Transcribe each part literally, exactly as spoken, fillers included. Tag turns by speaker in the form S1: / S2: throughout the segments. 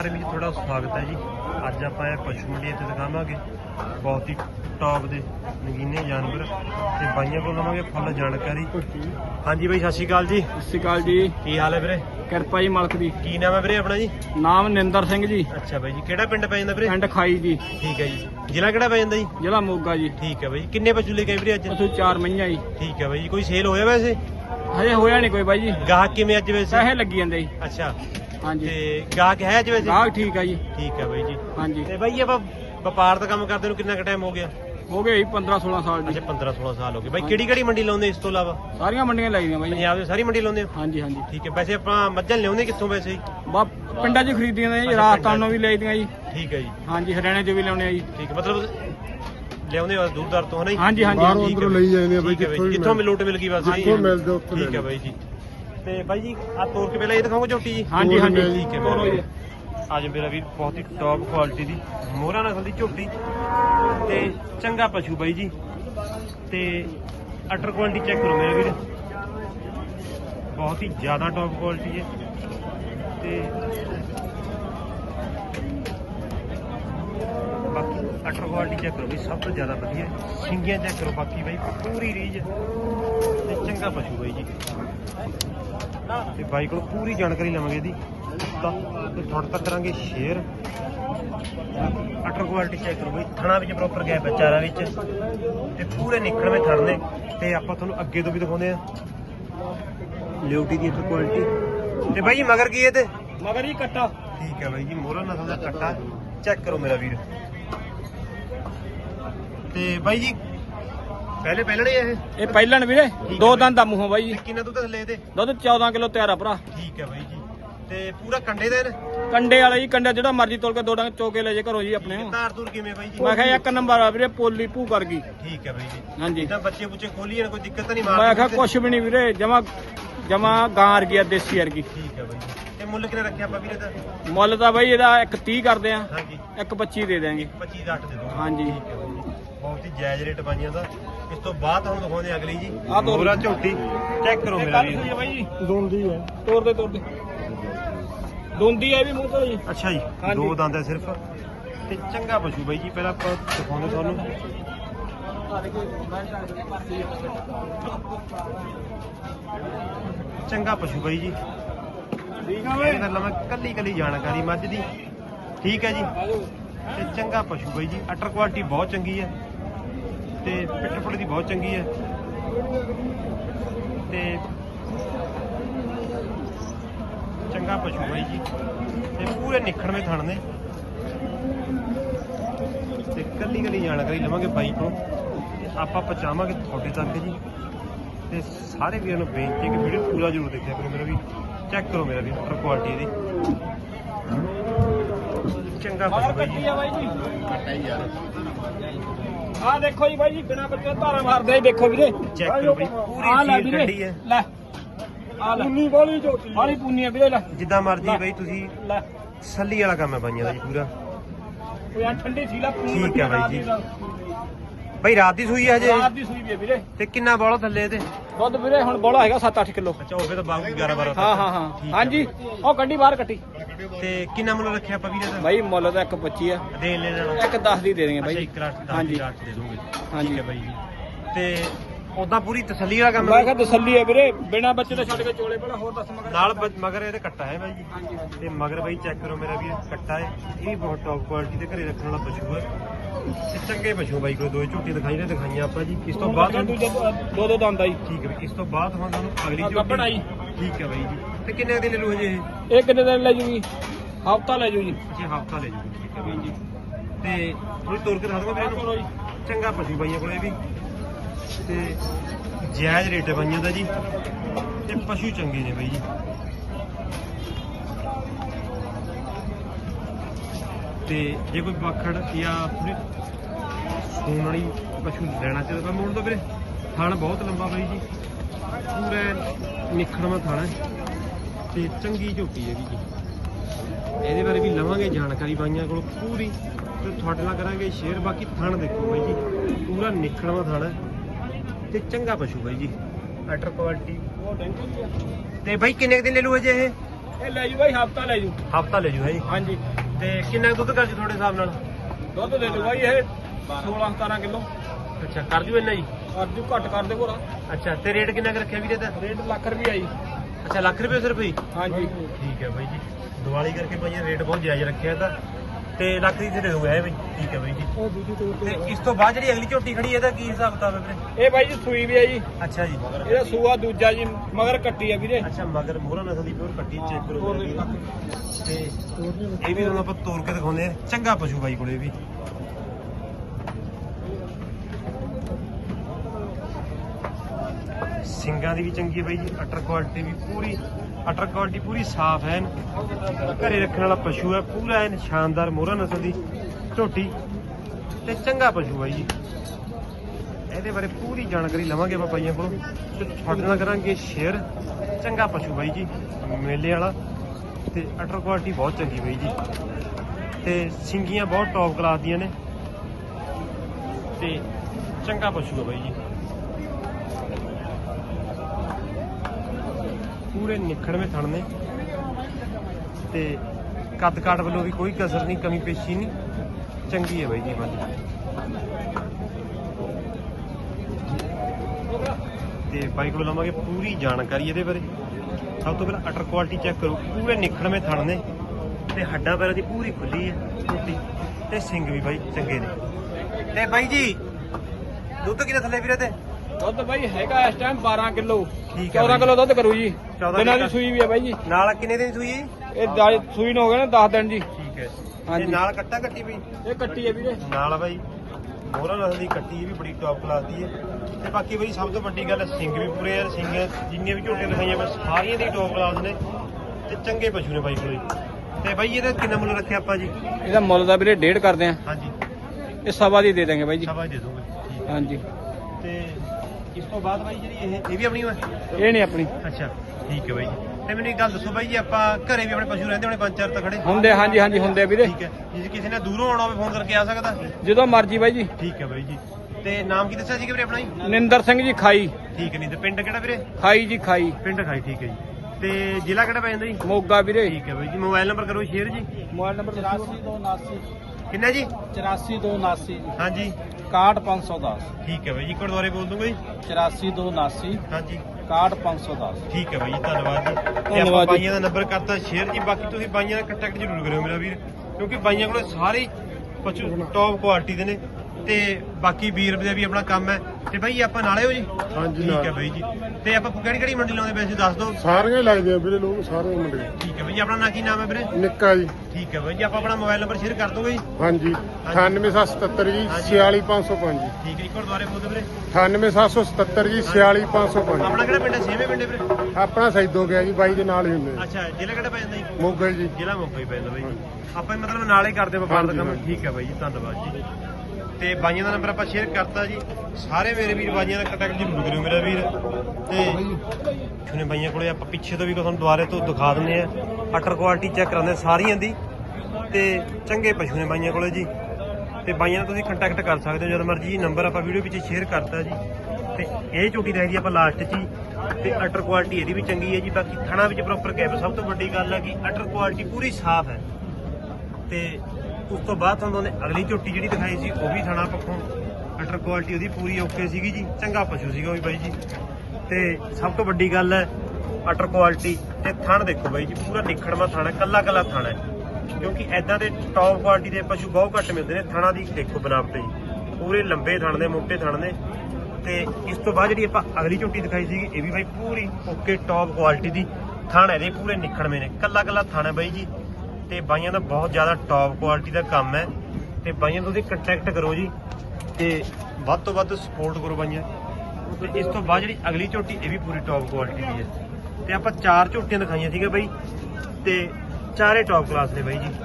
S1: ਵਿੱਚ ਤੁਹਾਡਾ ਸਵਾਗਤ ਹੈ ਜੀ। ਅੱਜ ਆਪਾਂ ਇਹ ਪਸ਼ੂ ਮੰਡੀ ਇੱਥੇ ਦਿਖਾਵਾਂਗੇ ਬਹੁਤ ਹੀ ਟੌਪ ਦੇ ਨਗੀਨੇ ਜਾਨਵਰ ਤੇ ਬਾਈਆਂ ਕੋਲ ਲਵਾਂਗੇ ਫੁੱਲ ਜਾਣਕਾਰੀ। ਹਾਂਜੀ ਬਾਈ ਸਤਿ ਸ਼੍ਰੀ ਅਕਾਲ ਜੀ।
S2: ਸਤਿ ਸ਼੍ਰੀ ਅਕਾਲ ਜੀ।
S1: ਕੀ ਹਾਲ ਹੈ ਵੀਰੇ?
S2: ਕਿਰਪਾ ਜੀ ਮਾਲਕ ਦੀ।
S1: ਕੀ ਨਾਮ ਹੈ ਵੀਰੇ ਆਪਣਾ ਜੀ?
S2: ਨਾਮ ਨਿੰਦਰ ਸਿੰਘ ਜੀ।
S1: ਅੱਛਾ ਬਾਈ ਜੀ, ਕਿਹੜਾ ਪਿੰਡ ਪੈ ਜਾਂਦਾ ਵੀਰੇ?
S2: ਪਿੰਡ ਖਾਈ ਜੀ।
S1: ਠੀਕ ਹੈ ਜੀ। ਜ਼ਿਲ੍ਹਾ ਕਿਹੜਾ ਪੈ ਜਾਂਦਾ ਜੀ?
S2: ਜ਼ਿਲ੍ਹਾ ਮੋਗਾ ਜੀ।
S1: ਠੀਕ ਹੈ ਬਾਈ। ਕਿੰਨੇ ਪਸ਼ੂ ਲੈ ਕੇ ਆਏ ਵੀਰੇ ਅੱਜ?
S2: ਅਸੀਂ ਚਾਰ ਮਈਆਂ ਜੀ।
S1: ਠੀਕ ਹੈ ਬਾਈ ਜੀ। ਕੋਈ ਸੇਲ ਹੋਇਆ ਵੈਸੇ?
S2: ਹਜੇ ਹੋਇਆ ਨਹੀਂ ਕੋਈ ਬਾਈ ਜੀ।
S1: ਗਾਹਕ ਕਿਵੇਂ ਅੱਜ ਵੈਸੇ?
S2: ਪੈਸੇ ਲੱਗੀ ਜਾਂਦੇ ਜੀ।
S1: ਅੱਛਾ
S2: ਹਾਂਜੀ
S1: ਤੇ ਗਾਹਕ ਹੈ ਅੱਜ ਵੈਸੇ?
S2: ਗਾਹਕ ਠੀਕ ਆ ਜੀ।
S1: ਠੀਕ ਹੈ ਬਾਈ ਜੀ।
S2: ਹਾਂਜੀ
S1: ਤੇ ਬਾਈ ਆਪਾਂ ਵਪਾਰ ਦਾ ਕੰਮ ਕਰਦੇ ਨੂੰ ਕਿੰਨਾ ਕੁ ਟਾਈਮ ਹੋ ਗਿਆ?
S2: ਹੋ ਗਏ ਜੀ ਪੰਦਰਾਂ ਸੋਲਾਂ ਸਾਲ ਜੀ।
S1: ਅੱਛਾ ਪੰਦਰਾਂ ਸੋਲਾਂ ਸਾਲ ਹੋ ਗਏ ਬਾਈ। ਕਿਹੜੀ ਕਿਹੜੀ ਮੰਡੀ ਲਾਉਂਦੇ ਇਸ ਤੋਂ ਇਲਾਵਾ?
S2: ਸਾਰੀਆਂ ਮੰਡੀਆਂ ਲਾਈਆਂ ਬਾਈ ਜੀ।
S1: ਪੰਜਾਬ ਦੀ ਸਾਰੀ ਮੰਡੀ ਲਾਉਂਦੇ ਹੋ?
S2: ਹਾਂਜੀ ਹਾਂਜੀ।
S1: ਠੀਕ ਹੈ। ਵੈਸੇ ਆਪਾਂ ਮੱਝਾਂ ਲਿਆਉਂਦੇ ਕਿੱਥੋਂ ਵੈਸੇ?
S2: ਬਾ ਪਿੰਡਾਂ 'ਚ ਖਰੀਦੀਆਂ ਨੇ ਜੀ।
S1: ਅੱਛਾ,
S2: ਰਾਜਸਥਾਨ ਨੂੰ ਵੀ ਲਈਆਂ ਜੀ।
S1: ਠੀਕ ਹੈ ਜੀ।
S2: ਹਾਂਜੀ ਹਰਿਆਣੇ 'ਚ ਵੀ ਲਿਆਉਣੇ ਆ ਜੀ।
S1: ਠੀਕ ਹੈ। ਮਤਲਬ ਲਿਆਉਂਦੇ ਹੋ ਦੂਰ ਦਰ ਤੋਂ ਨਹੀਂ?
S2: ਹਾਂਜੀ ਹਾਂਜੀ
S3: ਬਾਹਰੋਂ
S1: ਠੀਕ ਹੈ
S3: ਅੰਦਰੋਂ ਲਈ ਜਾਂਦੇ ਆ ਬਾਈ,
S1: ਠੀਕ ਹੈ
S3: ਜਿੱਥੋਂ ਵੀ
S1: ਜਿੱਥੋਂ ਵੀ ਲੋਟ ਮਿਲ ਗਈ ਬਸ।
S3: ਜਿੱਥੋਂ ਮਿਲਦੇ ਉੱਥੋਂ ਲੈ
S1: ਠੀਕ ਹੈ ਬਾਈ ਜੀ। ਤੇ ਬਾਈ ਜੀ ਆ ਤੋੜ ਕੇ ਪਹਿਲਾਂ ਇਹ ਦਿਖਾਓਗੇ ਝੋਟੀ ਜੀ?
S2: ਹਾਂਜੀ ਹਾਂਜੀ
S1: ਠੀਕ ਹੈ
S2: ਤੋਰੋ ਜੀ।
S1: ਅੱਜ ਮੇਰਾ ਵੀਰ ਬਹੁਤ ਹੀ ਟੌਪ ਕੁਆਲਿਟੀ ਦੀ ਮੋਹਰਾ ਨਸਲ ਦੀ ਝੋਟੀ ਤੇ ਚੰਗਾ ਪਸ਼ੂ ਬਾਈ ਜੀ। ਤੇ ਅਟਰ ਕੁਆਲਿਟੀ ਚੈੱਕ ਕਰੋ ਮੇਰਾ ਵੀਰ, ਬਹੁਤ ਹੀ ਜ਼ਿਆਦਾ ਟੌਪ ਕੁਆਲਿਟੀ ਹੈ। ਤੇ ਬਾਕੀ ਅਟਰ ਕੁਆਲਿਟੀ ਚੈੱਕ ਕਰੋ ਬਈ, ਸਭ ਤੋਂ ਜ਼ਿਆਦਾ ਵਧੀਆ। ਸਿੰਗੀਆਂ ਚੈੱਕ ਕਰੋ ਬਾਕੀ ਬਾਈ, ਪੂਰੀ ਰੀਝ ਤੇ ਚੰਗਾ ਪਸ਼ੂ ਬਾਈ ਜੀ। ਤੇ ਬਾਈ ਕੋਲ ਪੂਰੀ ਜਾਣਕਾਰੀ ਲਵਾਂਗੇ ਇਹਦੀ ਤਾਂ ਤੇ ਤੁਹਾਡੇ ਤੱਕ ਕਰਾਂਗੇ ਸ਼ੇਅਰ। ਅਟਰ ਕੁਆਲਿਟੀ ਚੈੱਕ ਕਰੋ ਬਈ, ਥਣਾ ਵਿੱਚ ਪ੍ਰੋਪਰ ਗੈਪ ਹੈ ਚਾਰਾਂ ਵਿੱਚ ਤੇ ਪੂਰੇ ਨਿਕਲਵੇਂ ਥਣ ਨੇ। ਤੇ ਆਪਾਂ ਤੁਹਾਨੂੰ ਅੱਗੇ ਤੋਂ ਵੀ ਦਿਖਾਉਂਦੇ ਆ ਲਿਓਟੀ ਦੀ ਅਟਰ ਕੁਆਲਿਟੀ। ਤੇ ਬਾਈ ਜੀ ਮਗਰ ਕੀ ਹੈ ਤੇ?
S2: ਮਗਰ ਜੀ ਕੱਟਾ।
S1: ਠੀਕ ਹੈ ਬਾਈ ਜੀ, ਮੋਹਰਾ ਨਸਲ ਦਾ ਕੱਟਾ ਚੈੱਕ ਕਰੋ ਮੇਰਾ ਵੀਰ। ਤੇ ਬਾਈ ਜੀ ਪਹਿਲੇ ਪਹਿਲਣੇ ਇਹ
S2: ਇਹ ਪਹਿਲਣ ਵੀਰੇ ਦੋ ਦੰਦ ਦਾ ਮੂੰਹੋਂ ਬਾਈ ਜੀ।
S1: ਕਿੰਨਾ ਦੁੱਧ ਥੱਲੇ ਇਹਦੇ?
S2: ਦੁੱਧ ਚੌਦਾਂ ਕਿਲੋ ਤਿਆਰ ਆ ਭਰਾ।
S1: ਠੀਕ ਹੈ ਬਾਈ ਜੀ। ਤੇ ਪੂਰਾ ਕੰਡੇ ਦਾ ਇਹਨੇ?
S2: ਕੰਡੇ ਵਾਲਾ ਜੀ, ਕੰਡਾ ਜਿਹੜਾ ਮਰਜ਼ੀ ਤੋਲ ਕੇ ਦੋ ਡੰਗ ਚੋਕੇ ਲੈ ਜੇ ਘਰੋਂ ਜੀ ਆਪਣੇ।
S1: ਧਾਰ ਧੂਰ ਕਿਵੇਂ ਬਾਈ ਜੀ?
S2: ਮੈਂ ਕਿਹਾ ਇੱਕ ਨੰਬਰ ਆ ਵੀਰੇ, ਪੋਲੀ ਭੂ ਕਰ ਗਈ।
S1: ਠੀਕ ਹੈ ਬਾਈ ਜੀ।
S2: ਹਾਂਜੀ
S1: ਜਿੱਦਾਂ ਬੱਚੇ ਬੁੱਚੇ ਖੋਲੀ ਜਾਣ ਕੋਈ ਦਿੱਕਤ ਤਾਂ ਨਹੀਂ
S2: ਮੈਂ
S1: ਮਾਰਦੀ?
S2: ਕਿਹਾ ਕੁਛ ਵੀ ਨਹੀਂ ਵੀਰੇ, ਜਮਾ ਜਮਾ ਗਾਂ ਵਰਗੀ ਆ, ਦੇਸੀ ਵਰਗੀ।
S1: ਠੀਕ ਹੈ ਬਾਈ ਜੀ। ਤੇ ਮੁੱਲ ਕਿੰਨਾ ਰੱਖਿਆ ਆਪਾਂ ਵੀਰੇ ਦਾ?
S2: ਮੁੱਲ ਤਾਂ ਬਾਈ ਇਹਦਾ ਇੱਕ ਤੀਹ ਕਰਦੇ ਆ,
S1: ਹਾਂਜੀ
S2: ਇੱਕ ਪੱਚੀ ਦੇ ਦਿਆਂਗੇ।
S1: ਪੱਚੀ ਦਾ ਅੱਠ ਦੇ ਦੋ।
S2: ਹਾਂਜੀ
S1: ਠੀਕ ਹੈ ਬਾਈ ਜੀ। ਬਹੁਤ ਹੀ ਜਾਇਜ਼ ਰੇਟ ਬਾਈਆਂ ਦਾ। ਇਸ ਤੋਂ ਬਾਅਦ ਹੁਣ ਦਿਖਾਉਂਦੇ ਅਗਲੀ ਜੀ
S2: ਆਹ ਤੋਰ।
S1: ਮੋਹਰਾ ਝੋਟੀ ਚੈੱਕ ਕਰੋ ਮੇਰਾ ਵੀਰ।
S2: ਬਾਈ ਜੀ
S3: ਦੋਂਦੀ ਹੈ।
S2: ਤੋੜ ਦੇ ਤੋੜ ਦੇ ਦੋਂਦੀ ਹੈ ਵੀ ਮੂੰਹ ਤੋਂ ਜੀ।
S1: ਅੱਛਾ ਜੀ,
S2: ਹਾਂਜੀ।
S1: ਦੋ ਦੰਦ ਹੈ ਸਿਰਫ ਤੇ ਚੰਗਾ ਪਸ਼ੂ ਬਾਈ ਜੀ। ਪਹਿਲਾਂ ਆਪਾਂ ਦਿਖਾਉਂਦੇ ਤੁਹਾਨੂੰ ਚੰਗਾ ਪਸ਼ੂ ਬਾਈ ਜੀ।
S2: ਠੀਕ ਆ
S1: ਇਹ ਗੱਲ ਮੈਂ ਕੱਲੀ ਕੱਲੀ ਜਾਣਕਾਰੀ ਮੱਝ ਦੀ। ਠੀਕ ਹੈ ਜੀ। ਤੇ ਚੰਗਾ ਪਸ਼ੂ ਬਾਈ ਜੀ। ਅਟਰ ਕੁਆਲਿਟੀ ਬਹੁਤ ਚੰਗੀ ਹੈ ਤੇ ਪਿੱਠ ਪੁੱਠ ਦੀ ਬਹੁਤ ਚੰਗੀ ਹੈ ਤੇ ਚੰਗਾ ਪਸ਼ੂ ਬਾਈ ਜੀ। ਤੇ ਪੂਰੇ ਨਿਖੜਵੇਂ ਥਣ ਨੇ ਤੇ ਕੱਲੀ ਕੱਲੀ ਜਾਣਕਾਰੀ ਲਵਾਂਗੇ ਬਾਈ ਕੋਲ। ਆਪਾਂ ਪਹੁੰਚਾਵਾਂਗੇ ਤੁਹਾਡੇ ਤੱਕ ਜੀ। ਤੇ ਸਾਰੇ ਵੀਰਾਂ ਨੂੰ ਬੇਨਤੀ ਹੈ ਕਿ ਵੀਡੀਓ ਪੂਰਾ ਜ਼ਰੂਰ ਦੇਖਿਆ ਕਰੋ ਮੇਰਾ ਵੀ। ਚੈੱਕ ਕਰੋ ਮੇਰਾ ਵੀ ਅਟਰ ਕੁਆਲਿਟੀ ਇਹਦੀ। ਚੰਗਾ ਪਸ਼ੂ ਬਾਈ ਜੀ।
S2: ਆ ਦੇਖੋ ਜੀ ਬਾਈ ਜੀ, ਬਿਨਾ ਬੱਚੇ ਧਾਰਾ ਮਾਰਦੇ ਹੀ ਦੇਖੋ ਵੀਰੇ।
S1: ਚੈੱਕ ਕਰੋ ਬਾਈ,
S2: ਆਹ
S1: ਪੂਰੀ
S2: ਲੈ
S1: ਚੀਜ਼
S2: ਵੀਰੇ,
S1: ਕੱਢੀ ਹੈ।
S2: ਲੈ ਆ ਲੈ ਪੂਨੀ ਵਾਲੀ ਝੋਟੀ ਵਾਲੀ ਪੂਨੀ ਆ ਵੀਰੇ। ਲੈ
S1: ਜਿੱਦਾਂ ਮਰਜੀ ਬਾਈ ਤੁਸੀਂ,
S2: ਲੈ
S1: ਸੱਲੀ ਵਾਲਾ ਕੰਮ ਹੈ ਬਾਈਆਂ ਦਾ ਜੀ ਪੂਰਾ।
S2: ਕੋਈ ਆ ਠੰਡੀ ਸੀ ਲੈ ਪੂਨੀ।
S1: ਠੀਕ ਹੈ ਬਾਈ ਜੀ। ਬਾਈ ਰਾਤ ਦੀ ਸੂਈ ਹੈ ਹਜੇ?
S2: ਰਾਤ ਦੀ ਸੂਈ ਵੀ ਹੈ ਵੀਰੇ।
S1: ਤੇ ਕਿੰਨਾ ਬੋਲਾ ਥੱਲੇ ਇਹਦੇ?
S2: ਦੁੱਧ ਵੀਰੇ ਹੁਣ ਬੋਲਾ ਹੈਗਾ ਸੱਤ ਅੱਠ ਕਿਲੋ।
S1: ਅੱਛਾ ਹੋਵੇ ਤਾਂ ਬਾਕੀ ਗਿਆਰਾਂ ਬਾਰਾਂ।
S2: ਹਾਂ ਹਾਂ ਹਾਂ
S1: ਠੀਕ ਹੈ
S2: ਹਾਂਜੀ। ਉਹ ਕੱਢੀ ਬਾਹਰ ਕੱਟੀ।
S1: ਤੇ ਕਿੰਨਾ ਮੁੱਲ ਰੱਖਿਆ ਆਪਾਂ ਵੀਰੇ ਦਾ?
S2: ਬਾਈ ਮੁੱਲ ਤਾਂ ਇੱਕ ਪੱਚੀ ਆ,
S1: ਦੇਣ ਲੈਣ ਵਾਲਾ
S2: ਇੱਕ ਦਸ ਦੀ ਦੇ ਦੇਂਗੇ
S1: ਅੱਛਾ
S2: ਬਾਈ।
S1: ਇੱਕ ਲੱਖ ਦਸ
S2: ਹਾਂਜੀ।
S1: ਲੱਖ ਦੇ ਦੋਗੇ?
S2: ਹਾਂਜੀ।
S1: ਠੀਕ ਹੈ ਬਾਈ ਜੀ। ਤੇ ਉਦਾਂ ਪੂਰੀ ਤਸੱਲੀ ਵਾਲਾ ਕੰਮ
S2: ਮੈਂ
S1: ਹੈ
S2: ਕਿਹਾ ਤਸੱਲੀ ਹੈ ਵੀਰੇ, ਬਿਨਾ ਬੱਚੇ ਤੋਂ ਛੱਡ ਕੇ ਚੋਲੇ ਪਹਿਲਾਂ ਹੋਰ ਦੱਸ ਮਗਰ।
S1: ਨਾਲ ਬ- ਮਗਰ ਇਹਦੇ ਕੱਟਾ ਹੈ ਬਾਈ ਜੀ।
S2: ਹਾਂਜੀ ਹਾਂਜੀ
S1: ਤੇ ਮਗਰ ਬਾਈ ਚੈੱਕ ਕਰੋ ਮੇਰਾ ਵੀਰ, ਕੱਟਾ ਹੈ। ਇਹ ਵੀ ਬਹੁਤ ਟੌਪ ਕੁਆਲਿਟੀ ਦੇ ਘਰੇ ਰੱਖਣ ਵਾਲਾ ਪਸ਼ੂ ਹੈ ਤੇ ਚੰਗੇ ਪਸ਼ੂ ਬਾਈ ਕੋਲ। ਦੋ ਝੋਟੀ ਦਿਖਾਈ ਨੇ ਦਿਖਾਈਆਂ ਆਪਾਂ ਜੀ। ਇਸ ਤੋਂ ਬਾਅਦ
S2: ਦੂਜੇ ਦੋ ਦੋ ਦੰਦ ਆਈ।
S1: ਠੀਕ ਹੈ ਬਾਈ। ਇਸ ਤੋਂ ਬਾਅਦ ਹੁਣ ਤੁਹਾਨੂੰ ਅਗਲੀ ਝੋਟੀ
S2: ਗੱਭਣ ਆਈ।
S1: ਠੀਕ ਹੈ ਬਾਈ ਜੀ। ਤੇ ਕਿੰਨੇ ਦੇ ਲੈ ਲੂ ਹਜੇ ਇਹ?
S2: ਇਹ ਕਿੰਨੇ ਦਿਨ ਲੈ ਜੂਗੀ? ਹਫਤਾ ਲੈ ਜੂ ਜੀ।
S1: ਅੱਛਾ ਹਫਤਾ ਲੈ ਜੂਗੀ। ਠੀਕ ਹੈ ਬਾਈ ਜੀ। ਤੇ ਥੋੜੀ ਤੋਰ ਕੇ ਦਿਖਾ ਦੂੰਗਾ ਵੀਰੇ ਨੂੰ। ਚੰਗਾ ਪਸ਼ੂ ਬਾਈਆਂ ਕੋਲ ਇਹ ਵੀ ਤੇ ਜਾਇਜ਼ ਰੇਟ ਹੈ ਬਾਈਆਂ ਦਾ ਜੀ। ਤੇ ਪਸ਼ੂ ਚੰਗੇ ਨੇ ਬਾਈ ਜੀ। ਤੇ ਜੇ ਕੋਈ ਬਾਖੜ ਜਾਂ ਪੂਰੀ ਸੂਣ ਵਾਲੀ ਪਸ਼ੂ ਲੈਣਾ ਚਾਹੀਦਾ ਤਾਂ ਮੋੜ ਦੋ ਵੀਰੇ। ਥਣ ਬਹੁਤ ਲੰਬਾ ਬਾਈ ਜੀ, ਪੂਰਾ ਨਿਖੜਵਾਂ ਥਣ ਹੈ ਤੇ ਚੰਗੀ ਝੋਟੀ ਹੈਗੀ ਜੀ। ਇਹਦੇ ਬਾਰੇ ਵੀ ਲਵਾਂਗੇ ਜਾਣਕਾਰੀ ਬਾਈਆਂ ਕੋਲ ਪੂਰੀ ਤੇ ਤੁਹਾਡੇ ਨਾਲ ਕਰਾਂਗੇ ਸ਼ੇਅਰ। ਬਾਕੀ ਥਣ ਦੇਖੋ ਬਾਈ ਜੀ, ਪੂਰਾ ਨਿਖੜਵਾਂ ਥਣ ਹੈ ਤੇ ਚੰਗਾ ਪਸ਼ੂ ਬਾਈ ਜੀ। ਅਟਰ ਕੁਆਲਿਟੀ ਤੇ ਬਾਈ ਕਿੰਨੇ ਕੁ ਦਿਨ ਲੈ ਲੂ ਅਜੇ ਇਹ?
S2: ਇਹ ਲੈ ਜੂ ਬਾਈ, ਹਫਤਾ ਲੈ ਜੂ।
S1: ਹਫਤਾ ਲੈ ਜੂ ਹੈ ਜੀ।
S2: ਹਾਂਜੀ
S1: ਤੇ ਕਿੰਨਾ ਕੁ ਦੁੱਧ ਕਰ ਜੂ ਤੁਹਾਡੇ ਹਿਸਾਬ ਨਾਲ?
S2: ਦੁੱਧ ਦੇ ਦੂ ਬਾਈ ਇਹ ਸੋਲਾਂ ਸਤਾਰਾਂ ਕਿਲੋ।
S1: ਅੱਛਾ ਕਰ ਜੂ ਇੰਨਾ ਜੀ?
S2: ਅਰਜੂ ਘੱਟ ਕਰ ਦੇ ਭੋਰਾ।
S1: ਅੱਛਾ ਤੇ ਰੇਟ ਕਿੰਨਾ ਕੁ ਰੱਖਿਆ ਵੀਰੇ ਦਾ?
S2: ਰੇਟ ਲੱਖ ਰੁਪਏ ਆਈ।
S1: ਅੱਛਾ ਲੱਖ ਰੁਪਏ ਸਿਰਫ ਹੀ?
S2: ਹਾਂਜੀ
S1: ਠੀਕ ਹੈ ਬਾਈ ਜੀ, ਦੀਵਾਲੀ ਕਰਕੇ ਬਾਈ ਇਹ ਰੇਟ ਬਹੁਤ ਜਾਇਜ਼ ਰੱਖਿਆ ਤਾਂ ਤੇ ਲੱਖ ਦੀ ਤੇ ਦੇ ਦੂੰਗਾ ਇਹ ਬਾਈ। ਠੀਕ ਹੈ ਬਾਈ ਜੀ।
S2: ਉਹ ਦੂਜੀ ਤੋੜ
S1: ਤੇ ਇਸ ਤੋਂ ਬਾਅਦ ਜਿਹੜੀ ਅਗਲੀ ਝੋਟੀ ਖੜੀ ਇਹਦਾ ਕੀ ਹਿਸਾਬ ਕਿਤਾਬ ਹੈ ਵੀਰੇ?
S2: ਇਹ ਬਾਈ ਜੀ ਸੂਈ ਵੀ ਆ ਜੀ।
S1: ਅੱਛਾ ਜੀ।
S2: ਇਹਦਾ ਸੂਆ ਦੂਜਾ ਜੀ ਮਗਰ ਕੱਟੀ ਆ ਵੀਰੇ।
S1: ਅੱਛਾ ਮਗਰ ਮੋਹਰਾ ਨਸਲ ਦੀ ਪਿਓਰ ਕੱਟੀ ਚੈੱਕ ਕਰੋ ਜੀ। ਤੇ ਇਹ ਵੀ ਤੁਹਾਨੂੰ ਆਪਾਂ ਤੋੜ ਕੇ ਦਿਖਾਉਂਦੇ ਆ। ਚੰਗਾ ਪਸ਼ੂ ਬਾਈ ਕੋਲੇ ਵੀ। ਸਿੰਗਾਂ ਦੀ ਵੀ ਚੰਗੀ ਹੈ ਬਾਈ ਜੀ। ਅਟਰ ਕੁਆਲਿਟੀ ਵੀ ਪੂਰੀ ਅਟਰ ਕੁਆਲਿਟੀ ਪੂਰੀ ਸਾਫ਼ ਹੈ। ਘਰੇ ਰੱਖਣ ਵਾਲਾ ਪਸ਼ੂ ਹੈ ਪੂਰਾ ਐਨ ਸ਼ਾਨਦਾਰ ਮੋਹਰਾ ਨਸਲ ਦੀ ਝੋਟੀ ਤੇ ਚੰਗਾ ਪਸ਼ੂ ਬਾਈ ਜੀ। ਇਹਦੇ ਬਾਰੇ ਪੂਰੀ ਜਾਣਕਾਰੀ ਲਵਾਂਗੇ ਆਪਾਂ ਬਾਈਆਂ ਕੋਲੋਂ ਤੇ ਤੁਹਾਡੇ ਨਾਲ ਕਰਾਂਗੇ ਸ਼ੇਅਰ। ਚੰਗਾ ਪਸ਼ੂ ਬਾਈ ਜੀ ਮੇਲੇ ਵਾਲਾ ਤੇ ਅਟਰ ਕੁਆਲਿਟੀ ਬਹੁਤ ਚੰਗੀ ਬਾਈ ਜੀ। ਤੇ ਸਿੰਗੀਆਂ ਬਹੁਤ ਟੌਪ ਕਲਾਸ ਦੀਆਂ ਨੇ ਤੇ ਚੰਗਾ ਪਸ਼ੂ ਹੈ ਬਾਈ ਜੀ। ਪੂਰੇ ਨਿਖੜਵੇਂ ਥਣ ਨੇ ਤੇ ਕੱਦ ਕਾਠ ਵੱਲੋਂ ਵੀ ਕੋਈ ਕਸਰ ਨਹੀਂ, ਕਮੀ ਪੇਸ਼ੀ ਨਹੀਂ, ਚੰਗੀ ਹੈ ਬਾਈ ਜੀ। ਮੱਝ ਤੇ ਬਾਈ ਕੋਲ ਲਵਾਂਗੇ ਪੂਰੀ ਜਾਣਕਾਰੀ ਇਹਦੇ ਬਾਰੇ। ਸਭ ਤੋਂ ਪਹਿਲਾਂ ਅਟਰ ਕੁਆਲਿਟੀ ਚੈੱਕ ਕਰੋ। ਪੂਰੇ ਨਿਖੜਵੇਂ ਥਣ ਨੇ ਤੇ ਹੱਡਾਂ ਪੈਰਾਂ ਦੀ ਪੂਰੀ ਖੁੱਲੀ ਹੈ ਝੋਟੀ ਤੇ ਸਿੰਗ ਵੀ ਬਾਈ ਚੰਗੇ ਨੇ। ਤੇ ਬਾਈ ਜੀ ਦੁੱਧ ਕਿੰਨੇ ਥੱਲੇ ਵੀਰੇ? ਤੇ
S2: ਦੁੱਧ ਬਾਈ ਹੈਗਾ ਇਸ ਟਾਈਮ ਬਾਰਾਂ ਕਿਲੋ।
S1: ਠੀਕ ਹੈ
S2: ਚੌਦਾਂ ਕਿਲੋ ਦੁੱਧ ਕਰੂ ਜੀ।
S1: ਚੌਦਾਂ
S2: ਦਿਨਾਂ ਦੀ
S1: ਕਿਲੋ।
S2: ਸੂਈ ਵੀ ਆ ਬਾਈ ਜੀ।
S1: ਨਾਲ ਕਿੰਨੇ ਦਿਨ ਸੂਈ ਹੈ?
S2: ਇਹ ਦਸ- ਸੂਈ ਨੂੰ ਹੋ ਗਏ ਨੇ ਦਸ ਦਿਨ ਜੀ।
S1: ਠੀਕ ਹੈ।
S2: ਹਾਂਜੀ।
S1: ਤੇ ਨਾਲ ਕੱਟਾ ਕੱਟੀ ਬਈ
S2: ਇਹ ਕੱਟੀ ਆ ਵੀਰੇ।
S1: ਨਾਲ ਬਾਈ ਮੋਹਰਾ ਨਸਲ ਦੀ ਕੱਟੀ ਇਹ ਵੀ ਬੜੀ ਟੌਪ ਕਲਾਸ ਦੀ ਹੈ। ਤੇ ਬਾਕੀ ਬਾਈ ਸਭ ਤੋਂ ਵੱਡੀ ਗੱਲ ਸਿੰਘ ਵੀ ਪੂਰੇ ਯਾਰ। ਸਿੰਘ ਜਿੰਨੀਆਂ ਵੀ ਝੋਟੀਆਂ ਦਿਖਾਈਆਂ ਮੈਂ ਸਾਰੀਆਂ ਦੀ ਟੌਪ ਕਲਾਸ ਨੇ ਤੇ ਚੰਗੇ ਪਸ਼ੂ ਨੇ ਬਾਈ ਕੋਲੇ। ਤੇ ਬਾਈ ਇਹਦਾ ਕਿੰਨਾ ਮੁੱਲ ਰੱਖਿਆ ਆਪਾਂ ਜੀ?
S2: ਇਹਦਾ ਮੁੱਲ ਦਾ ਵੀਰੇ ਡੇਢ ਕਰਦੇ ਆ।
S1: ਹਾਂਜੀ
S2: ਇਹ ਸਵਾ ਦੀ ਦੇ ਦਾਂਗੇ ਬਾਈ ਜੀ।
S1: ਸਭਾ ਦੇ ਦੂੰਗੇ। ਠੀਕ ਹੈ।
S2: ਹਾਂਜੀ
S1: ਤੇ ਇਸ ਤੋਂ ਬਾਅਦ ਬਾਈ ਜਿਹੜੀ ਇਹ ਇਹ ਵੀ ਆਪਣੀ ਹੈ?
S2: ਇਹ ਨਹੀਂ ਆਪਣੀ।
S1: ਅੱਛਾ ਠੀਕ ਹੈ ਬਾਈ ਜੀ। ਤੇ ਮੈਨੂੰ ਇੱਕ ਗੱਲ ਦੱਸੋ ਬਾਈ ਜੀ, ਆਪਾਂ ਘਰੇ ਵੀ ਆਪਣੇ ਪਸ਼ੂ ਰਹਿੰਦੇ ਹੋਣੇ ਪੰਜ ਚਾਰ ਤਾਂ ਖੜੇ?
S2: ਹੁੰਦੇ ਹਾਂਜੀ ਹਾਂਜੀ ਹੁੰਦੇ ਆ ਵੀਰੇ।
S1: ਠੀਕ ਹੈ। ਜੇ ਕਿਸੇ ਨੇ ਦੂਰੋਂ ਆਉਣਾ ਹੋਵੇ ਫੋਨ ਕਰਕੇ ਆ ਸਕਦਾ?
S2: ਜਦੋਂ ਮਰਜੀ ਬਾਈ ਜੀ।
S1: ਠੀਕ ਹੈ ਬਾਈ ਜੀ। ਤੇ ਨਾਮ ਕੀ ਦੱਸਿਆ ਸੀ ਵੀਰੇ ਆਪਣਾ ਜੀ?
S2: ਨਿੰਦਰ ਸਿੰਘ ਜੀ ਖਾਈ।
S1: ਠੀਕ ਹੈ। ਨਹੀਂ ਤੇ ਪਿੰਡ ਕਿਹੜਾ ਵੀਰੇ?
S2: ਖਾਈ ਜੀ ਖਾਈ।
S1: ਪਿੰਡ ਖਾਈ। ਠੀਕ ਹੈ ਜੀ। ਤੇ ਜ਼ਿਲ੍ਹਾ ਕਿਹੜਾ ਪੈ ਜਾਂਦਾ ਜੀ?
S2: ਮੋਗਾ ਵੀਰੇ।
S1: ਠੀਕ ਹੈ ਬਾਈ ਜੀ। ਮੋਬਾਈਲ ਨੰਬਰ ਕਰੋ ਸ਼ੇਅਰ ਜੀ।
S2: ਮੋਬਾਈਲ ਨੰਬਰ ਚੁਰਾਸੀ ਦੋ ਉਨਾਸੀ
S1: ਕਿੰਨਾ ਜੀ?
S2: ਚੁਰਾਸੀ ਦੋ ਉਨਾਸੀ
S1: ਹਾਂਜੀ
S2: ਇਕਾਹਠ ਪੰਜ ਸੌ ਦਸ।
S1: ਠੀਕ ਹੈ ਬਾਈ ਜੀ। ਇੱਕ ਵਾਰ ਦੁਬਾਰੇ ਬੋਲ ਦੂੰਗਾ ਜੀ।
S2: ਚੁਰਾਸੀ ਦੋ ਉਨਾਸੀ
S1: ਹਾਂਜੀ
S2: ਇਕਾਹਠ ਪੰਜ ਸੌ ਦਸ।
S1: ਠੀਕ ਹੈ ਬਾਈ ਜੀ। ਧੰਨਵਾਦ ਜੀ। ਤੇ
S2: ਧੰਨਵਾਦ
S1: ਆਪਾਂ
S2: ਜੀ।
S1: ਬਾਈਆਂ ਦਾ ਨੰਬਰ ਕਰਤਾ ਸ਼ੇਅਰ ਜੀ। ਬਾਕੀ ਤੁਸੀਂ ਬਾਈਆਂ ਨਾਲ ਕੰਟੈਕਟ ਜ਼ਰੂਰ ਕਰਿਓ ਮੇਰਾ ਵੀਰ, ਕਿਉਂਕਿ ਬਾਈਆਂ ਕੋਲ ਸਾਰੇ ਪਸ਼ੂ ਟੌਪ ਕੁਆਲਿਟੀ ਦੇ ਨੇ ਤੇ ਬਾਕੀ ਵੀਰ ਦਾ ਵੀ ਆਪਣਾ ਕੰਮ ਹੈ। ਤੇ ਬਾਈ ਆਪਾਂ ਨਾਲੇ ਹੋ ਜੀ?
S3: ਹਾਂਜੀ
S1: ਠੀਕ ਹੈ ਬਾਈ ਜੀ। ਤੇ ਆਪਾਂ ਕਿਹੜੀ ਕਿਹੜੀ ਮੰਡੀ ਲਾਉਂਦੇ ਵੈਸੇ ਦੱਸ ਦਿਓ।
S3: ਸਾਰੀਆਂ ਹੀ ਲੱਗਦੇ ਆ ਵੀਰੇ ਲੋਕ ਸਾਰੇ ਮੁੰਡੇ।
S1: ਠੀਕ ਹੈ ਬਾਈ ਜੀ। ਆਪਣਾ ਨਾਂ ਕੀ ਨਾਮ ਹੈ ਵੀਰੇ?
S3: ਨਿੱਕਾ ਜੀ।
S1: ਠੀਕ ਹੈ ਬਾਈ ਜੀ। ਆਪਾਂ ਆਪਣਾ ਮੋਬਾਈਲ ਨੰਬਰ ਸ਼ੇਅਰ ਕਰ ਦੋਗੇ ਜੀ?
S3: ਹਾਂਜੀ ਅਠਾਨਵੇਂ ਸੱਤ ਸਤੱਤਰ ਜੀ ਛਿਆਲੀ ਪੰਜ ਸੌ ਪੰਜ ਜੀ।
S1: ਠੀਕ ਹੈ। ਇੱਕ ਵਾਰ ਦੁਬਾਰੇ ਬੋਲ ਦਿਓ ਵੀਰੇ।
S3: ਅਠਾਨਵੇਂ ਸੱਤ ਸੌ ਸਤੱਤਰ ਜੀ ਛਿਆਲੀ ਪੰਜ ਸੌ ਪੰਜ।
S1: ਆਪਣਾ ਕਿਹੜਾ ਪਿੰਡ ਹੈ? ਛੇਵੇਂ ਪਿੰਡ ਹੈ ਵੀਰੇ?
S3: ਆਪਣਾ ਸੈਦੋ ਗਿਆ ਜੀ ਬਾਈ ਦੇ ਨਾਲ ਹੀ ਹੁੰਦੇ ਆ।
S1: ਅੱਛਾ ਜ਼ਿਲ੍ਹਾ ਕਿਹੜਾ ਪੈ ਜਾਂਦਾ ਜੀ?
S3: ਮੋਗਾ ਜੀ।
S1: ਜ਼ਿਲ੍ਹਾ ਮੋਗਾ ਹੀ ਪੈ ਜਾਂਦਾ ਬਾਈ ਜੀ। ਆਪਾਂ ਹੀ ਮਤਲਬ ਨਾਲੇ ਕਰਦੇ ਵਪਾਰ ਦਾ ਕੰਮ।
S3: ਹਾਂਜੀ।
S1: ਠੀਕ ਹੈ ਬਾਈ ਜੀ। ਧੰਨਵਾਦ ਜੀ। ਤੇ ਬਾਈਆਂ ਦਾ ਨੰਬਰ ਆਪਾਂ ਸ਼ੇਅਰ ਕਰਤਾ ਜੀ। ਸਾਰੇ ਮੇਰੇ ਵੀਰ ਬਾਈਆਂ ਦਾ ਕੰਟੈਕਟ ਜ਼ਰੂਰ ਕਰਿਓ ਮੇਰਾ ਵੀਰ। ਤੇ ਛੁਨੇ ਬਾਈਆਂ ਕੋਲੇ ਆਪਾਂ ਪਿੱਛੇ ਤੋਂ ਵੀ ਤੁਹਾਨੂੰ ਦੁਬਾਰੇ ਤੋਂ ਦਿਖਾ ਦਿੰਦੇ ਆ। ਅਟਰ ਕੁਆਲਿਟੀ ਚੈੱਕ ਕਰਾਉਂਦੇ ਸਾਰੀਆਂ ਦੀ ਤੇ ਚੰਗੇ ਪਸ਼ੂ ਨੇ ਬਾਈਆਂ ਕੋਲੇ ਜੀ। ਤੇ ਬਾਈਆਂ ਨਾਲ ਤੁਸੀਂ ਕੰਟੈਕਟ ਕਰ ਸਕਦੇ ਹੋ ਜਦ ਮਰਜੀ। ਨੰਬਰ ਆਪਾਂ ਵੀਡੀਓ ਵਿੱਚ ਸ਼ੇਅਰ ਕਰਤਾ ਜੀ। ਤੇ ਇਹ ਝੋਟੀ ਰਹੀ ਆਪਾਂ ਲਾਸਟ 'ਚ ਹੀ। ਤੇ ਅਟਰ ਕੁਆਲਿਟੀ ਇਹਦੀ ਵੀ ਚੰਗੀ ਹੈ ਜੀ। ਬਾਕੀ ਥਣਾ ਵਿੱਚ ਪ੍ਰੋਪਰ ਗੈਪ। ਸਭ ਤੋਂ ਵੱਡੀ ਗੱਲ ਹੈ ਕਿ ਅਟਰ ਕੁਆਲਿਟੀ ਪੂਰੀ ਸਾਫ਼ ਹੈ। ਤੇ ਉਸ ਤੋਂ ਬਾਅਦ ਤੁਹਾਨੂੰ ਨੇ ਅਗਲੀ ਝੋਟੀ ਜਿਹੜੀ ਦਿਖਾਈ ਸੀ ਉਹ ਵੀ ਥਣਾ ਪੱਖੋਂ ਅਟਰ ਕੁਆਲਿਟੀ ਉਹਦੀ ਪੂਰੀ ਓਕੇ ਸੀਗੀ ਜੀ। ਚੰਗਾ ਪਸ਼ੂ ਸੀਗਾ ਉਹ ਵੀ ਬਾਈ ਜੀ। ਤੇ ਸਭ ਤੋਂ ਵੱਡੀ ਗੱਲ ਹੈ ਅਟਰ ਕੁਆਲਿਟੀ ਤੇ ਥਣ ਦੇਖੋ ਬਾਈ ਜੀ। ਪੂਰਾ ਨਿਖੜਵਾ ਥਣ ਹੈ, ਕੱਲਾ ਕੱਲਾ ਥਣ ਹੈ, ਕਿਉਂਕਿ ਐਦਾਂ ਦੇ ਟੌਪ ਕੁਆਲਿਟੀ ਦੇ ਪਸ਼ੂ ਬਹੁਤ ਘੱਟ ਮਿਲਦੇ ਨੇ। ਥਣਾ ਦੀ ਦੇਖੋ ਬਨਾਵਟ ਜੀ, ਪੂਰੇ ਲੰਬੇ ਥਣ ਨੇ, ਮੋਟੇ ਥਣ ਨੇ। ਤੇ ਇਸ ਤੋਂ ਬਾਅਦ ਜਿਹੜੀ ਆਪਾਂ ਅਗਲੀ ਝੋਟੀ ਦਿਖਾਈ ਸੀਗੀ ਇਹ ਵੀ ਬਾਈ ਪੂਰੀ ਓਕੇ ਟੌਪ ਕੁਆਲਿਟੀ ਦੀ। ਥਣ ਇਹਦੇ ਪੂਰੇ ਨਿਖੜਵੇਂ ਨੇ, ਕੱਲਾ ਕੱਲਾ ਥਣ ਹੈ ਬਾਈ ਜੀ। ਤੇ ਬਾਈਆਂ ਦਾ ਬਹੁਤ ਜ਼ਿਆਦਾ ਟੌਪ ਕੁਆਲਿਟੀ ਦਾ ਕੰਮ ਹੈ। ਤੇ ਬਾਈਆਂ ਨੂੰ ਤੁਸੀਂ ਕੰਟੈਕਟ ਕਰੋ ਜੀ ਤੇ ਵੱਧ ਤੋਂ ਵੱਧ ਸਪੋਰਟ ਕਰੋ ਬਾਈਆਂ। ਤੇ ਇਸ ਤੋਂ ਬਾਅਦ ਜਿਹੜੀ ਅਗਲੀ ਝੋਟੀ ਇਹ ਵੀ ਪੂਰੀ ਟੌਪ ਕੁਆਲਿਟੀ ਦੀ ਹੈ। ਤੇ ਆਪਾਂ ਚਾਰ ਝੋਟੀਆਂ ਦਿਖਾਈਆਂ ਸੀਗਾ ਬਾਈ ਤੇ ਚਾਰੇ ਟੌਪ ਕਲਾਸ ਦੇ ਬਾਈ ਜੀ।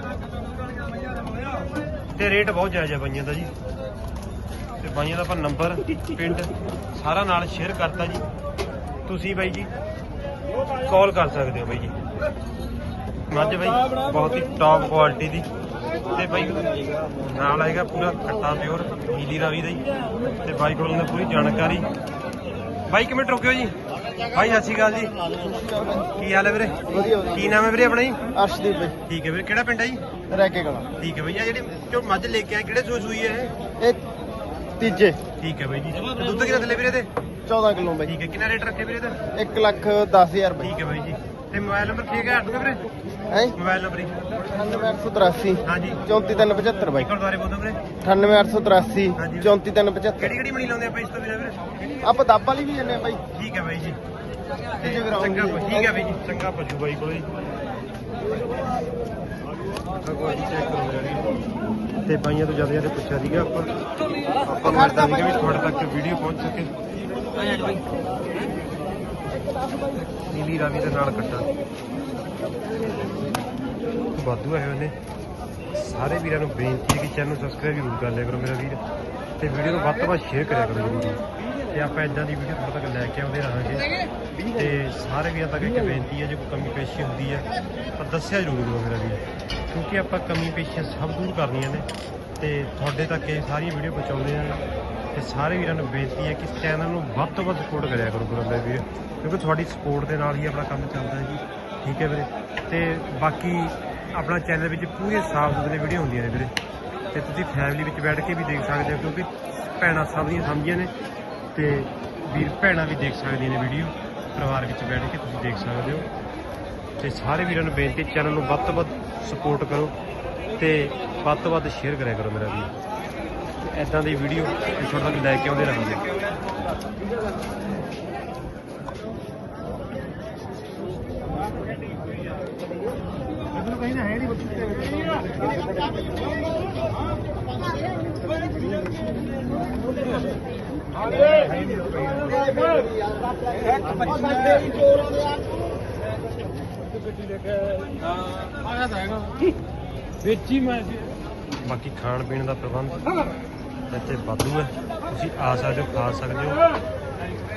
S1: ਤੇ ਰੇਟ ਬਹੁਤ ਜਾਇਜ਼ ਹੈ ਬਾਈਆਂ ਦਾ ਜੀ। ਤੇ ਬਾਈਆਂ ਦਾ ਆਪਾਂ ਨੰਬਰ ਪਿੰਡ ਸਾਰਾ ਨਾਲ ਸ਼ੇਅਰ ਕਰਤਾ ਜੀ। ਤੁਸੀਂ ਬਾਈ ਜੀ ਕਾਲ ਕਰ ਸਕਦੇ ਹੋ ਬਾਈ ਜੀ। ਮੱਝ ਬਾਈ ਬਹੁਤ ਹੀ ਟੌਪ ਕੁਆਲਿਟੀ ਦੀ। ਤੇ ਬਾਈ ਨਾਲ ਆਏਗਾ ਪੂਰਾ ਖੱਟਾ ਪਿਓਰ ਨੀਲੀ ਰਾਵੀ ਦਾ ਜੀ। ਤੇ ਬਾਈ ਕੋਲ ਨੇ ਪੂਰੀ ਜਾਣਕਾਰੀ। ਬਾਈ ਕਿਵੇਂ ਟਰੋਕਿਓ ਜੀ? ਬਾਈ ਸਤਿ ਸ਼੍ਰੀ ਅਕਾਲ ਜੀ। ਕੀ ਹਾਲ ਹੈ ਵੀਰੇ? ਕੀ ਨਾਮ ਹੈ ਵੀਰੇ ਆਪਣਾ ਜੀ?
S2: ਅਰਸ਼ਦੀਪ ਬਾਈ।
S1: ਠੀਕ ਹੈ ਵੀਰੇ। ਕਿਹੜਾ ਪਿੰਡ ਹੈ ਜੀ?
S4: ਰਹਿ ਕੇ ਗਲਾ
S1: ਠੀਕ ਹੈ ਬਾਈ। ਆ ਜਿਹੜੀ ਜੋ ਮੱਝ ਲੈ ਕੇ ਆਏ ਕਿਹੜੇ ਸੂਈ ਸੂਈ ਹੈ ਇਹ?
S4: ਇਹ ਤੀਜੇ
S1: ਠੀਕ ਹੈ ਬਾਈ ਜੀ। ਦੁੱਧ ਕਿੰਨਾ ਥੱਲੇ ਵੀਰੇ ਤੇ?
S4: ਚੌਦਾਂ ਕਿਲੋ ਬਾਈ।
S1: ਠੀਕ ਹੈ। ਕਿੰਨਾ ਰੇਟ ਰੱਖੇ ਵੀਰੇ ਇਹਦਾ?
S4: ਇੱਕ ਲੱਖ ਦਸ ਹਜ਼ਾਰ ਬਾਈ।
S1: ਠੀਕ ਹੈ ਬਾਈ ਜੀ। ਤੇ ਮੋਬਾਈਲ ਨੰਬਰ ਠੀਕ ਹੈ ਅੱਠ ਵੀਰੇ?
S4: ਹੈ
S1: ਮੋਬਾਈਲ ਨੰਬਰ ਜੀ?
S4: ਅਠਾਨਵੇਂ ਅੱਠ ਸੌ ਤਰਾਸੀ
S1: ਹਾਂਜੀ
S4: ਚੌਂਤੀ ਤਿੰਨ ਪਝੱਤਰ ਬਾਈ।
S1: ਇੱਕ ਵਾਰ ਦੁਬਾਰੇ ਬੋਲੋ ਵੀਰੇ।
S4: ਅਠਾਨਵੇਂ ਅੱਠ ਸੌ ਤਰਾਸੀ
S1: ਹਾਂਜੀ।
S4: ਚੌਂਤੀ ਤਿੰਨ ਪਝੱਤਰ।
S1: ਕਿਹੜੀ ਕਿਹੜੀ ਮਣੀ ਲਾਉਂਦੇ ਆਪਾਂ ਇਸ ਤੋਂ ਬਿਨਾਂ ਵੀਰੇ?
S4: ਆਪਾਂ ਦੱਬ ਵਾਲੀ ਵੀ ਜੰਨੇ ਬਾਈ।
S1: ਠੀਕ ਹੈ ਬਾਈ ਜੀ।
S4: ਤੇ ਜਗਰਾਉਂ
S1: ਚੰਗਾ
S4: ਦੀ।
S1: ਪ- ਠੀਕ ਹੈ ਬਾਈ ਜੀ। ਚੰਗਾ ਪਸ਼ੂ ਬਾਈ ਕੋਲ ਜੀ। ਚੈੱਕ ਕਰੋ ਯਾਰ। ਤੇ ਬਾਈਆਂ ਤੋਂ ਜ਼ਿਆਦਾ ਜ਼ਿਆਦਾ ਪੁੱਛਿਆ ਸੀਗਾ ਆਪਾਂ ਆਪਾਂ ਨੂੰ ਇਦਾਂ ਸੀਗਾ ਵੀ ਤੁਹਾਡੇ ਤੱਕ ਵੀਡੀਓ ਪਹੁੰਚ ਸਕੇ। ਨੀਲੀ ਰਾਵੀ ਦੇ ਨਾਲ ਕੱਟਾ ਵਾਧੂ ਆਏ ਹੋਏ ਨੇ। ਸਾਰੇ ਵੀਰਾਂ ਨੂੰ ਬੇਨਤੀ ਹੈ ਕਿ ਚੈਨਲ ਨੂੰ ਸਬਸਕ੍ਰਾਈਬ ਜ਼ਰੂਰ ਕਰ ਲਿਆ ਕਰੋ ਮੇਰਾ ਵੀਰ, ਤੇ ਵੀਡੀਓ ਨੂੰ ਵੱਧ ਤੋਂ ਵੱਧ ਸ਼ੇਅਰ ਕਰਿਆ ਕਰੋ ਜ਼ਰੂਰ। ਤੇ ਆਪਾਂ ਇਦਾਂ ਦੀ ਵੀਡੀਓ ਤੁਹਾਡੇ ਤੱਕ ਲੈ ਕੇ ਆਉਂਦੇ ਰਹਾਂਗੇ। ਤੇ ਸਾਰੇ ਵੀਰਾਂ ਤੱਕ ਇੱਕ ਬੇਨਤੀ ਹੈ, ਜੇ ਕੋਈ ਕਮੀ ਪੇਸ਼ੀ ਹੁੰਦੀ ਹੈ ਤਾਂ ਦੱਸਿਆ ਜ਼ਰੂਰ ਕਰੋ ਮੇਰਾ ਵੀਰ, ਕਿਉਂਕਿ ਆਪਾਂ ਕਮੀ ਪੇਸ਼ੀਆਂ ਸਭ ਦੂਰ ਕਰਨੀਆਂ ਨੇ ਤੇ ਤੁਹਾਡੇ ਤੱਕ ਇਹ ਸਾਰੀਆਂ ਵੀਡੀਓ ਪਹੁੰਚਾਉਂਦੇ ਹਾਂ। ਤੇ ਸਾਰੇ ਵੀਰਾਂ ਨੂੰ ਬੇਨਤੀ ਹੈ ਕਿ ਚੈਨਲ ਨੂੰ ਵੱਧ ਤੋਂ ਵੱਧ ਸਪੋਰਟ ਕਰਿਆ ਕਰੋ ਮੇਰੇ ਵੀਰ, ਕਿਉਂਕਿ ਤੁਹਾਡੀ ਸਪੋਰਟ ਦੇ ਨਾਲ ਹੀ ਆਪਣਾ ਕੰਮ ਚੱਲਦਾ ਹੈ ਜੀ। ਠੀਕ ਹੈ ਵੀਰੇ। ਤੇ ਬਾਕੀ ਆਪਣਾ ਚੈਨਲ ਵਿੱਚ ਪੂਰੇ ਸਾਫ ਸੁਥਰੇ ਵੀਡੀਓ ਹੁੰਦੀਆਂ ਨੇ ਵੀਰੇ, ਤੇ ਤੁਸੀਂ ਫੈਮਿਲੀ ਵਿੱਚ ਬੈਠ ਕੇ ਵੀ ਦੇਖ ਸਕਦੇ ਹੋ, ਕਿਉਂਕਿ ਭੈਣਾਂ ਸਭ ਦੀਆਂ ਸਮਝੀਆਂ ਨੇ ਤੇ ਵੀਰ ਭੈਣਾਂ ਵੀ ਦੇਖ ਸਕਦੀਆਂ ਨੇ ਵੀਡੀਓ। ਪਰਿਵਾਰ ਵਿੱਚ ਬੈਠ ਕੇ ਤੁਸੀਂ ਦੇਖ ਸਕਦੇ ਹੋ। ਤੇ ਸਾਰੇ ਵੀਰਾਂ ਨੂੰ ਬੇਨਤੀ ਚੈਨਲ ਨੂੰ ਵੱਧ ਤੋਂ ਵੱਧ ਸਪੋਰਟ ਕਰੋ ਤੇ ਵੱਧ ਤੋਂ ਵੱਧ ਸ਼ੇਅਰ ਕਰਿਆ ਕਰੋ ਮੇਰਾ ਵੀਰ। ਇੱਦਾਂ ਦੀ ਵੀਡੀਓ ਤੁਹਾਡੇ ਤੱਕ ਲੈ ਕੇ ਆਉਂਦੇ ਰਹਾਂਗੇ।
S2: ਵੇਚੀ ਮੈਂ
S1: ਬਾਕੀ ਖਾਣ ਪੀਣ ਦਾ ਪ੍ਰਬੰਧ ਇੱਥੇ ਵਾਧੂ ਹੈ, ਤੁਸੀਂ ਆ ਸਕਦੇ ਹੋ, ਖਾ ਸਕਦੇ ਹੋ।